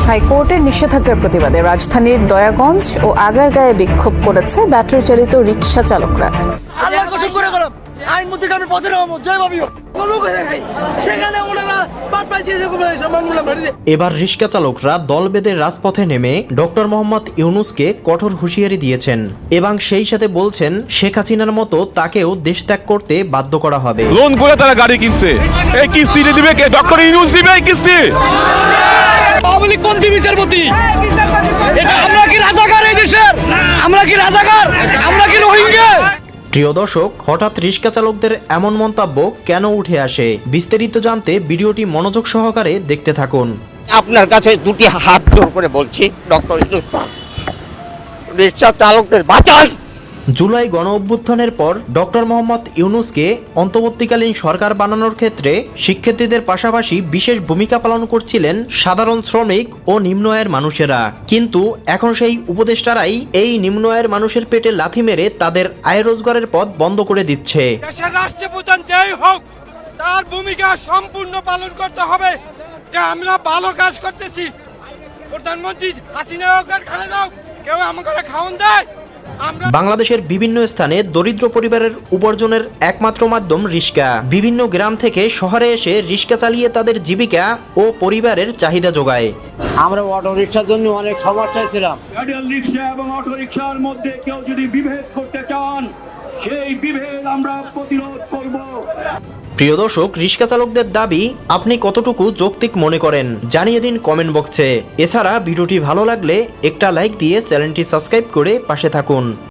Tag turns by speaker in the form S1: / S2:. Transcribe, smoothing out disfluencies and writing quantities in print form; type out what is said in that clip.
S1: হাইকোর্টের নিষেধাজ্ঞার প্রতিবাদে রাজধানীর দয়াগঞ্জ ও আগারগাঁয়ে বিক্ষোভ করেছে ব্যাটারি চালিত রিকশা চালকরা।
S2: আল্লাহর কসম করে গেলাম আইন মন্ত্রী আমি পথে নামো জয় ভাবিও সেখানে ওনারা বাদ পাইছে এরকম সম্মানগুলো বাড়িতে।
S3: এবার রিকশা চালকরা দল বেঁধে রাজপথে নেমে ডক্টর মোহাম্মদ ইউনূসকে কঠোর হুঁশিয়ারি দিয়েছেন এবং সেই সাথে বলছেন শেখ হাসিনার মতো তাকেও দেশ ত্যাগ করতে বাধ্য করা হবে।
S4: লোন করে তারা গাড়ি কিনছে, এই কিস্তি দিবে কে? ডক্টর ইউনূস দিবে এই কিস্তি।
S2: পাবলিক কোনটি বিচারপতি? এটা আমরা কি রাজাকার এই দেশের? আমরা কি রাজাকার? আমরা কি রোহিঙ্গা?
S3: প্রিয় দর্শক, হঠাৎ রিকশা চালকদের এমন মন্তব্য কেন উঠে আসে বিস্তারিত জানতে ভিডিওটি মনোযোগ সহকারে দেখতে থাকুন।
S5: আপনার কাছে দুটি হাত জোর করে বলছি, ডক্টর ইউনূস স্যার, রিকশা চালকদের বাঁচান।
S3: জুলাই গণ অভ্যুত্থানের পর ডক্টর মোহাম্মদ ইউনূসকে অন্তর্বর্তীকালীন সরকার বানানোর ক্ষেত্রে শিক্ষার্থীদের পাশাপাশি বিশেষ ভূমিকা পালন করছিলেন সাধারণ শ্রমিক ও নিম্ন আয়ের মানুষেরা। কিন্তু এখন সেই উপদেষ্টারাই এই নিম্ন আয়ের মানুষের পেটে লাথি মেরে তাদের আয় রোজগারের পথ বন্ধ করে দিচ্ছে।
S6: দেশের রাষ্ট্রপ্রধান যেই হোক তার ভূমিকা সম্পূর্ণ পালন করতে হবে যে আমরা ভালো কাজ করতেছি। প্রধানমন্ত্রী হাসিনা হোক আর খালেদা হোক, কেউ আমাকে খাওয়ান দেয়?
S3: বাংলাদেশের বিভিন্ন স্থানে দরিদ্র পরিবারের উপার্জনের একমাত্র মাধ্যম রিক্সা। বিভিন্ন গ্রাম থেকে শহরে এসে রিক্সা চালিয়ে তাদের জীবিকা ও পরিবারের চাহিদা যোগায়।
S7: আমরা অটো রিক্সার জন্য অনেক সমস্যায় ছিলাম।
S8: প্যাডেল রিক্সা এবং অটো রিক্সার মধ্যে কেউ যদি বিভেদ করতে চান, সেই বিভেদ আমরা প্রতিরোধ করব।
S3: প্রিয় দর্শক, রিক্সা চালকদের দাবি আপনি কতটুকু যৌক্তিক মনে করেন জানিয়ে দিন কমেন্ট বক্সে। এছাড়া ভিডিওটি ভালো লাগলে একটা লাইক দিয়ে চ্যানেলটি সাবস্ক্রাইব করে পাশে থাকুন।